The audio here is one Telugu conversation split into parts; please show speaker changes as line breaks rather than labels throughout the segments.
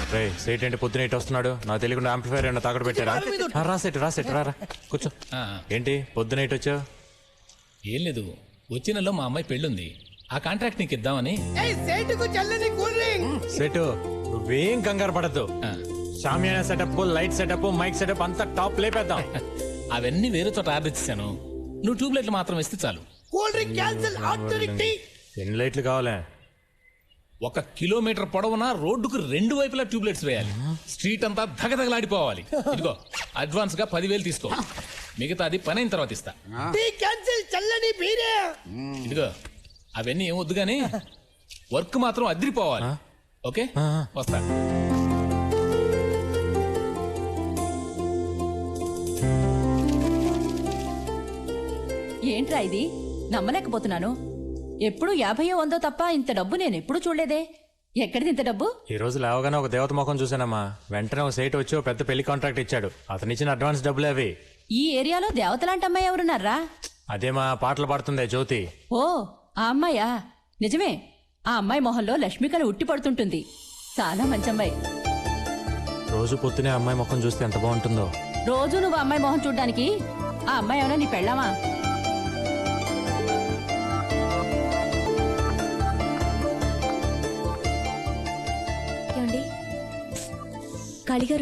రే సేట్ ఏంటి పొద్దున ఇటు వస్తున్నాడు నాకు తెలియకుండా ఆంప్లిఫైర్ ఏమన్నా తాకట్టు పెట్టారా రాసేట్ రా కూర్చో. ఏంటి పొద్దున ఇటు వచ్చావు?
ఏం లేదు, వచ్చే నెలలో మా అమ్మాయి పెళ్ళుంది, ఆ కాంట్రాక్ట్ నీకు ఇద్దామని.
సెట్ నువ్వేం కంగారు పడద్దు. షామియానా setup, light setup, mike setup అంతా టాప్ లేపేద్దాం.
అవన్నీ వేరే చోట ఆర్డర్ ఇచ్చాను, నువ్వు ట్యూబ్ లైట్లు మాత్రం ఇస్తే చాలు.
ఎన్ని లైట్లు కావాలా?
1 కిలోమీటర్ పొడవునా రోడ్డుకు 2 వైపులా ట్యూబ్ లైట్స్ వేయాలి. స్ట్రీట్ అంతా దగదగలాడిపోవాలి. ఇదిగో అడ్వాన్స్ గా 10,000 తీసుకో, మిగతాది పని అయిన తర్వాత ఇస్తా. ఇదిగో అవన్నీ ఏం వద్దు గానీ వర్క్ మాత్రం అదిరిపోవాలి. ఓకే వస్తా.
ఏంట్రా ఇది? నమ్మలేకపోతున్నాను. ఎప్పుడు 50 100 తప్ప ఇంత డబ్బు నేను ఎప్పుడు చూడలేదే. ఎక్కడిది ఇంత డబ్బు?
ఈ రోజు లేవగానే ఒక దేవత ముఖం చూసానమ్మా. వెంటనే ఒక సేట్ వచ్చి ఒక పెద్ద పెళ్లి కాంట్రాక్ట్ ఇచ్చాడు. అతను ఇచ్చిన అడ్వాన్స్ డబ్బులు అవి.
ఈ ఏరియాలో దేవతలాంటి అమ్మాయి ఎవరున్నారా?
అదేమా పాటలు పాడుతుందే జ్యోతి.
ఓ ఆ అమ్మాయా? నిజమే, ఆ అమ్మాయి మొహంలో లక్ష్మికలు ఉట్టి పడుతుంటుంది. చాలా మంచి అమ్మాయి.
రోజు పొద్దునే అమ్మాయి ముఖం చూస్తే ఎంత బాగుంటుందో.
రోజు నువ్వు అమ్మాయి మొహం చూడ్డానికి ఆ అమ్మాయి ఏమన్నా నీ పెళ్ళామా?
కాళీగారు,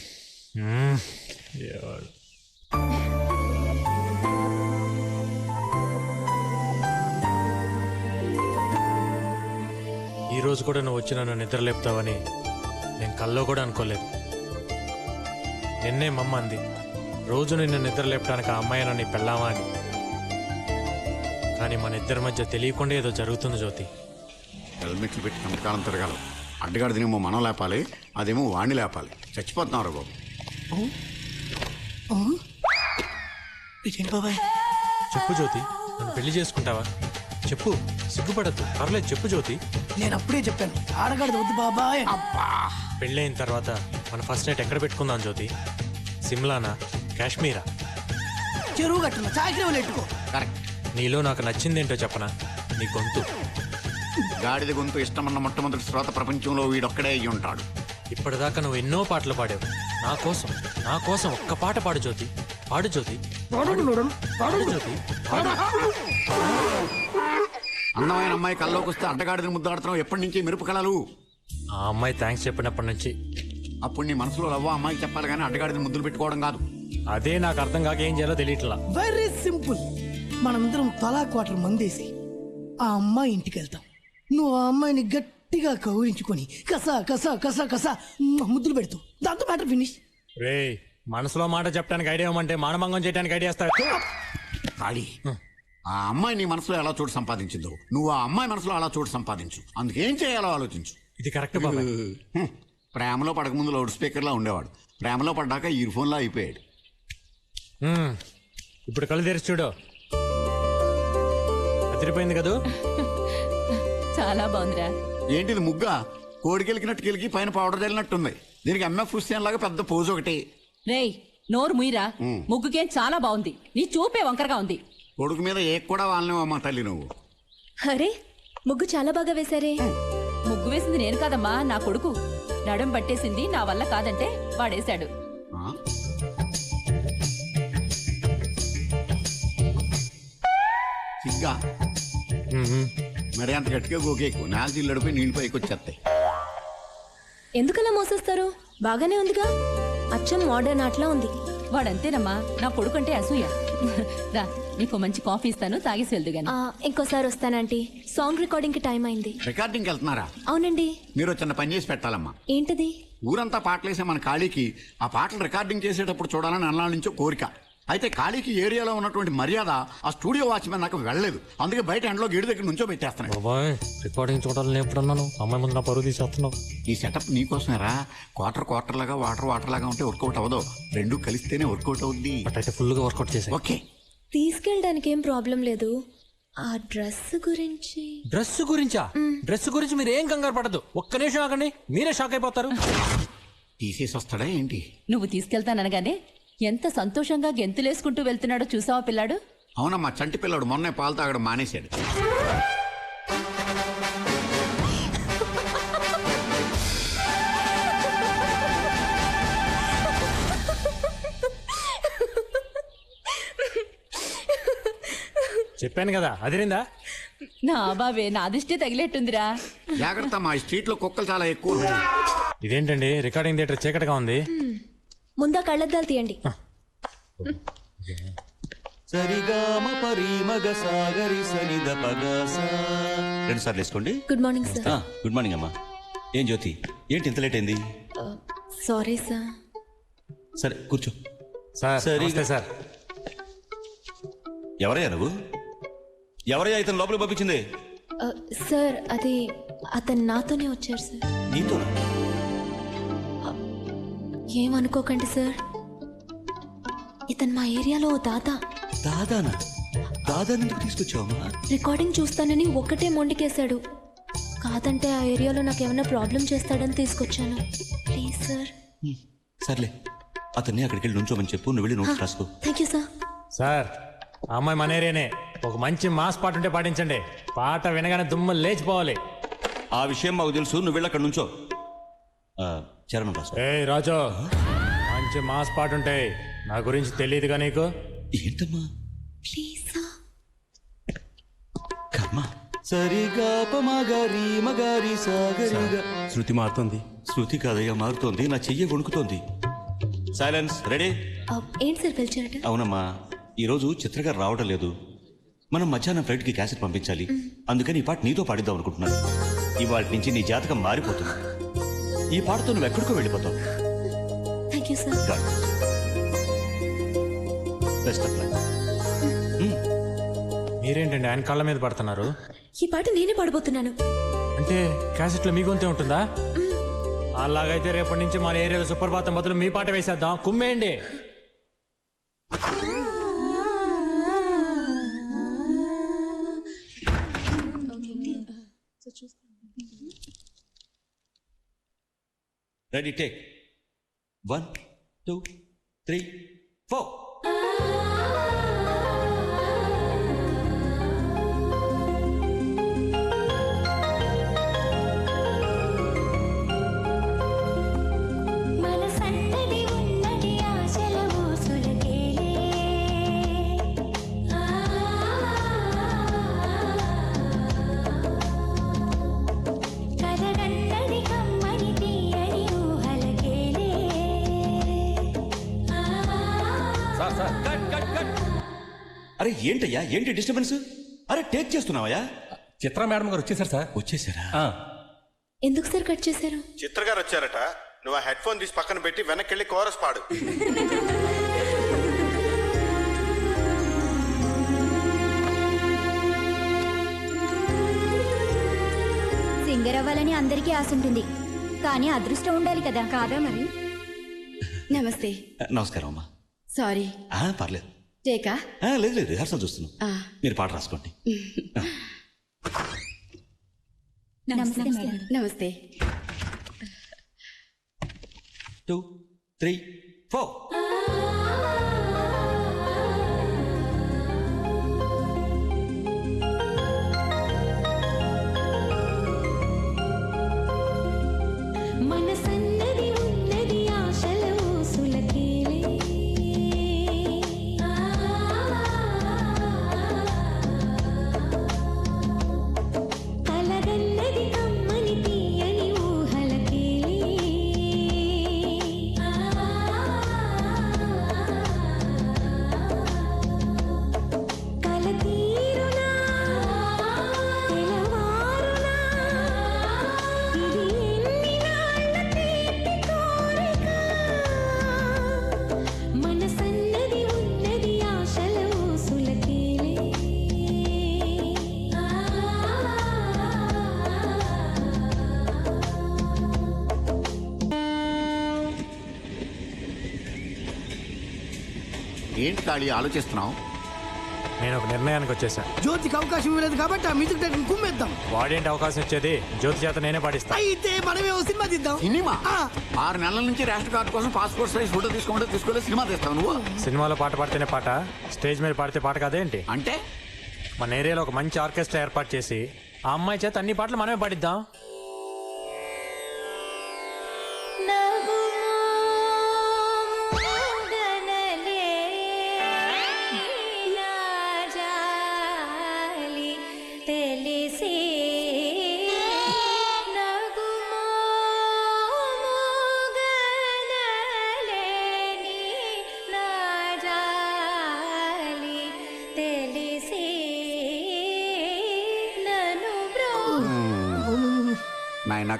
ఈ రోజు కూడా నువ్వు వచ్చి నన్ను నిద్రలేపుతావని నేను కల్లో కూడా అనుకోలేదు. నిన్నే మమ్మ అంది, రోజు నిన్ను నిద్రలేపడానికి ఆ అమ్మాయి నన్ను పెళ్ళావా అని. కానీ మన ఇద్దరి మధ్య తెలియకుండా ఏదో జరుగుతుంది జ్యోతి.
హెల్మెట్లు పెట్టి నమ్మకాలం తిరగాలి. అడ్డగాడిదేమో మనం లేపాలి, అదేమో వాణ్ణి లేపాలి. చచ్చిపోతున్నారు బాబు.
చెప్పు జ్యోతి, నన్ను పెళ్లి చేసుకుంటావా? చెప్పు, సిగ్గుపడద్దు, పర్లేదు చెప్పు జ్యోతి.
నేను అప్పుడే చెప్పాను ఆడగాడిది వద్దు బాబాయ్.
పెళ్ళైన తర్వాత మన ఫస్ట్ నైట్ ఎక్కడ పెట్టుకుందాం జ్యోతి? సిమ్లానా, కాశ్మీరా?
చెరువు కట్టున చాకరీ ఎట్టుకో.
కరెక్ట్.
నీలో నాకు నచ్చిందేంటో చెప్పనా? నీ గొంతు.
గాడిద గొంతు ఇష్టమన్న మొట్టమొదటి శ్రోత ప్రపంచంలో వీడొక్కడే అయ్యి ఉంటాడు.
ఇప్పటిదాకా నువ్వు ఎన్నో పాటలు పాడావు. నా కోసం ఒక్క పాట పాడు జ్యోతి. పాడు జ్యోతి, పాడు జ్యోతి.
అందమైన అమ్మాయి కల్లోకి వస్తే అడ్డగాడిదని ముద్దాడుతున్నావు. ఎప్పటి నుంచి మెరుపు కళలు?
ఆ అమ్మాయి థ్యాంక్స్ చెప్పినప్పటి నుంచి.
అప్పుడు నీ మనసులో లవ్వ అమ్మాయికి చెప్పాలి కానీ అడ్డగాడిదని ముద్దులు పెట్టుకోవడం కాదు.
అదే నాకు అర్థం కాక ఏం చేయాలో తెలియట్లా.
Very simple. మనందరం తలా క్వార్టర్ మందేసి ఆ అమ్మాయి ఇంటికి వెళ్తాం. నువ్వు ఆ అమ్మాయిని గట్టిగా కౌరించుకొని కసా కసా కసా కసా ముద్దులు పెడతావు. దాంతో మ్యాటర్ ఫినిష్.
రే మనసులో మాట చెప్పడానికి ఐడియా ఇవ్వమంటే మానభంగం చేయడానికి ఐడియా ఇస్తాడు.
ఖాళీ. ఆ అమ్మాయి నీ మనసులో ఎలా చోటు సంపాదించిందో నువ్వు ఆ అమ్మాయి మనసులో అలా చోటు సంపాదించు. అందుకేం చేయాలో ఆలోచించు.
ఇది కరెక్ట్ బాబాయ్.
ప్రేమలో పడకముందు లౌడ్ స్పీకర్లా ఉండేవాడు, ప్రేమలో పడ్డాక ఇయర్ ఫోన్లా అయిపోయాడు.
ఇప్పుడు కళ్ళు తెరిచి చూడు. అదిరిపోయింది కదూ?
చాలా బాగుందిరా.
ఏంటిది ముగ్గా? కోడికెలికినట్టు కెలికి పైన పౌడర్ చల్లినట్టుంది. దీనికి ఎంఎఫ్ హుస్సేన్ లాగా పెద్ద పోజు ఒకటి.
రేయ్ నోరు ముయిరా. ముగ్గుకేం చాలా బాగుంది, నీ చూపే వంకరగా ఉంది.
కొడుకు మీద ఏ కూడా వాళ్ళనేవమ్మా తల్లి నువ్వు.
అరే ముగ్గు చాలా బాగా వేశారే.
ముగ్గు వేసింది నేను కాదమ్మా, నా కొడుకు. నడుం పట్టేసింది నా వల్ల కాదంటే వాడేశాడు.
సిగ్గా మరి అంత గట్టిగా గోకేకు. నాలుగు ఇల్లడిపోయి నీళ్ళు పైకి వచ్చేస్తాయి.
ఎందుకలా మోసేస్తారు? బాగానే ఉందిగా, అచ్చం మోడర్న్ ఆటలా ఉంది.
వాడంతేనమ్మా, నా కొడుకు అంటే అసూయ. రా నీకు మంచి కాఫీ ఇస్తాను, తాగేసి వెళ్దు గాని.
ఇంకోసారి వస్తానంటీ. సాంగ్ రికార్డింగ్ కి టైం అయింది.
రికార్డింగ్కి వెళ్తున్నారా?
అవునండి.
మీరు చిన్న పని చేసి పెట్టాలమ్మా.
ఏంటది?
ఊరంతా పాటలేసే మన ఖాళీకి ఆ పాటలు రికార్డింగ్ చేసేటప్పుడు చూడాలని అన్నాళ్ళ నుంచో కోరిక. అయితే ఖాళీకి ఏరియాలో ఉన్నటువంటి మర్యాద ఆ స్టూడియో వాచ్మెన్ నాకు వెళ్ళలేదు. అందుకే బయట ఎండలో గేటు దగ్గర నుంచో పెట్టేస్తున్నాను.
బాబాయ్ రికార్డింగ్ చూడాలని ఎప్పుడన్నాను? అమ్మాయి ముందు నా పరువు తీసేస్తున్నావు.
ఈ సెటప్ నీకోసమేరా. క్వార్టర్ లాగా వాటర్ లాగా ఉంటే వర్కౌట్ అవ్వదు. రెండు కలిస్తేనే వర్కౌట్ అవుద్ది.
అయితే ఫుల్ గా వర్కౌట్ చేసా.
ఓకే,
తీసుకెళ్ళడానికి ఏం ప్రాబ్లం లేదు. ఆ డ్రెస్ గురించి.
డ్రెస్ గురించా? డ్రెస్ గురించి మీరు ఏం కంగారు పడదు. ఒక్క నిమిషం ఆగండి, మీరే షాక్ అయిపోతారు.
తీసేసి వస్తాడా ఏంటి?
నువ్వు తీసుకెళ్తాననగానే ఎంత సంతోషంగా గెంతులేసుకుంటూ వెళ్తున్నాడో చూసావా పిల్లాడు?
అవునమ్మా, చంటి పిల్లాడు మొన్నే పాలు తాగడం మానేశాడు.
చెప్పాను కదా అదిరిందా?
నా బాబే నా దిష్టి తగిలేట్టుందిరా.
జాగ్రత్త, మా స్ట్రీట్ లో కుక్కలు చాలా ఎక్కువ ఉన్నాయి.
ఇదేంటండి రికార్డింగ్ థియేటర్ చీకటిగా ఉంది?
ముందా కళ్ళద్దాలు తీయండి.
సరిగామ పరిమగ సాగరి సనిద పగస. 2 సార్లు వేసుకోండి.
Good morning sir.
Good morning అమ్మా. ఏం జ్యోతి, ఏంటి ఇంత లేట్ అయింది?
Sorry sir.
సరే కూర్చో.
సార్
సరే.
నమస్తే సార్.
ఎవరయ్యా నువ్వు? ఎవరయ్యా ఇతను లోపలికి పంపించింది?
సార్ అది అతను నాతోనే వచ్చారు సార్.
నీతో?
ఏమనుకోకండి సార్, ఇతను మా ఏరియాలో ఓ దాదా.
దాదానా? దాదాని ఎందుకు తీసుకొచ్చావమ్మా?
రికార్డింగ్ చూస్తానని ఒక్కటే మొండికేశాడు. కాదంటే ఆ ఏరియాలో నాకు ఏమైనా ప్రాబ్లం చేస్తాడని తీసుకొచ్చాను. Please sir.
సర్లే, అతన్ని అక్కడికి వెళ్ళి నుంచోమని చెప్పు. నువ్వు వెళ్ళి నోట్స్ రాసుకో.
Thank you sir.
సార్ ఆ అమ్మాయి మన ఏరియానే. ఒక మంచి మాస్ పాట ఉంటే పాటించండి. పాట వినగానే దుమ్ము లేచిపోవాలి.
ఆ విషయం మాకు తెలుసు. నువ్వు వెళ్ళి అక్కడ నుంచో. చరణం రాసుకో.
ఏ రాజు, మంచి మాస్ పాట ఉంటాయి. నా గురించి తెలియదుగా నీకు?
ఏంటమ్మా?
Please sir.
కర్మ. సరిగా పమగరి మగరి సాగరిగా.
శృతి మారుతుంది.
శృతి కాదయ్యా మారుతోంది. నా చెయ్యి వణుకుతోంది. సైలెన్స్. రెడీ?
ఏంటి సార్ పిలిచారట?
అవునమ్మా, ఈరోజు చిత్రగారు రావడం లేదు. మనం మధ్యాహ్నం ఫ్లైట్కి క్యాసెట్ పంపించాలి. అందుకని ఈ పాట నీతో పాడిద్దాం అనుకుంటున్నాను. ఇవాళ నుంచి నీ జాతకం మారిపోతుంది. ఈ పాటతో నువ్వు ఎక్కడికో వెళ్ళిపోతావు.
Thank you sir.
Best of luck.
మీరేంటండి ఆయన కళ్ళ మీద పడుతున్నారు?
ఈ పాట నేనే పాడబోతున్నాను.
అంటే క్యాసెట్లో మీ గొంతే ఉంటుందా? అలాగైతే రేపటి నుంచి మన ఏరియాలో సుప్రభాతం బదులు మీ పాట వేసేద్దాం. కుమ్మేయండి.
Ready, take 1 2 3 4. అరే ఏంటయ్యా, ఏంటి డిస్టర్బెన్స్? అరే టేక్ చేస్తున్నావయ్యా?
చిత్ర మేడం గారు వచ్చేసారు సార్.
వచ్చేసారా?
ఎందుకు సార్ కట్ చేశారు?
చిత్రగారు వచ్చారట. నువ్వు ఆ హెడ్ ఫోన్ తీసి పక్కన పెట్టి వెనక్కి వెళ్ళి కోరస్ పాడు.
సింగర్ అవ్వాలని అందరికీ ఆశ ఉంటుంది, కానీ అదృష్టం ఉండాలి కదా. కాదా మరి?
నమస్తే.
నమస్కారం అమ్మా.
సారీ.
పర్లేదు.
టేకా?
లేదు లేదు, రిహార్సల్ చూస్తున్నాం. మీరు పాట రాసుకోండి.
నమస్తే మేడం.
నమస్తే.
2 3 4.
మనసన్నది ఉన్నది ఆశల ఊసులకేలే. కలగన్నది కమ్మని తీయని ఊహలకేలే. కల తీరునా తెలవారునా ఇది ఎన్ని నాళ్ళ తీపి కోరిక. మనసన్నది ఉన్నది ఆశల ఊసులకేలే.
ఏంటి కాళీ ఆలోచిస్తున్నావు?
నేను ఒక నిర్ణయానికి వచ్చేసాను.
జ్యోతికి అవకాశం ఇవ్వలేదు కాబట్టి ఆ మ్యూజిక్ డైరెక్టర్ కుమ్మేద్దాం.
వాడేంటి అవకాశం ఇచ్చేది? జ్యోతి చేత నేనే పాటిస్తా.
అయితే మనమే ఓ సినిమా తీద్దాం.
సినిమా? 6 నెలల నుంచి రేషన్ కార్డు కోసం పాస్పోర్ట్ సైజ్ ఫోటో తీసుకోలేదు. సినిమా తీస్తావు నువ్వు?
సినిమాలో పాట పాడితేనే పాట, స్టేజ్ మీద పాడితే పాట కాదేంటి?
అంటే
మన ఏరియాలో ఒక మంచి ఆర్కెస్ట్రా ఏర్పాటు చేసి ఆ అమ్మాయి చేత అన్ని పాటలు మనమే పాడిద్దాం.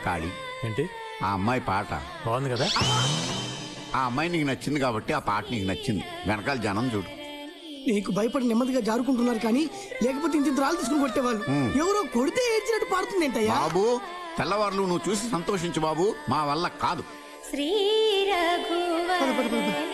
కాళీ,
ఏంటి
ఆ అమ్మాయి పాట,
బాగుంది కదా?
ఆ అమ్మాయి నీకు నచ్చింది కాబట్టి ఆ పాట నీకు నచ్చింది. వెనకాల జనం చూడు.
నీకు భయపడి నెమ్మదిగా జారుకుంటున్నారు కానీ లేకపోతే ఇంత రాళ్ళు తీసుకుని కొట్టేవాళ్ళు. ఎవరో కొడితే ఏడ్చినట్టు పాడుతుంది ఏంటయ్యా?
బాబు, తెల్లవారులు నువ్వు చూసి సంతోషించు బాబు, మా వల్ల కాదు.
శ్రీ రఘువర